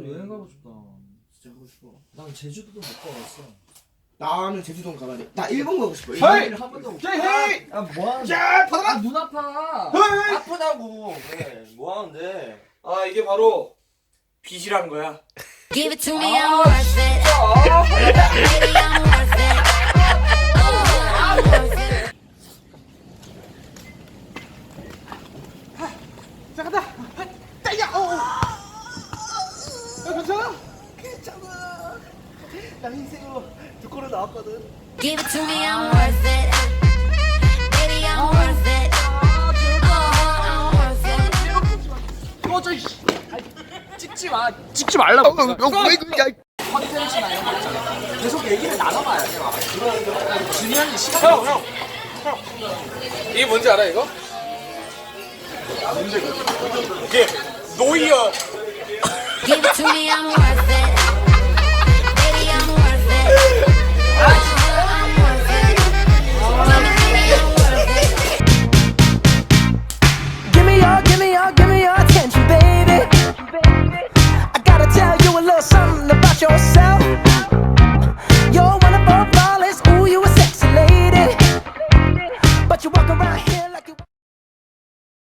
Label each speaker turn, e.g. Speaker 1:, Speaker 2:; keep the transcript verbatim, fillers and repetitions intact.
Speaker 1: 여행 가고 싶다.
Speaker 2: 진짜 가고 싶어.
Speaker 1: 난 제주도도 못 가봤어.
Speaker 2: 나는 제주도 가봐야 돼. 나 일본 가고 싶어.
Speaker 1: 헤이!
Speaker 2: 일본 한 번도 못.
Speaker 1: 헤이! 아 뭐하는
Speaker 2: 야, 받아라.
Speaker 1: 아, 눈 아파.
Speaker 2: 헤이!
Speaker 3: 아프다고. 그래. 뭐 하는데?
Speaker 2: 아, 이게 바로 빚이란 거야.
Speaker 4: Give it to me, I'm worth it. Baby, I'm worth it. Oh, I'm worth it.
Speaker 2: 자, 간다. 따야. 어. 야, 괜찮아? 괜찮아. 나 인생으로 두 코로 나왔거든.
Speaker 4: Give it to me, I'm worth it. Baby, I'm worth it. Oh, I'm worth it.
Speaker 1: 꺼져 이 찍지 마. 찍지 말라고.
Speaker 2: 왜 그래?
Speaker 1: 컨텐츠나 이런 거 있잖아. 계속 얘기를 나눠봐야 돼. 막. 중요한 시간.
Speaker 2: 형, 형. 형. 이게 뭔지 알아, 이거? 이게 노이어.
Speaker 4: Give it to me, I'm worth it.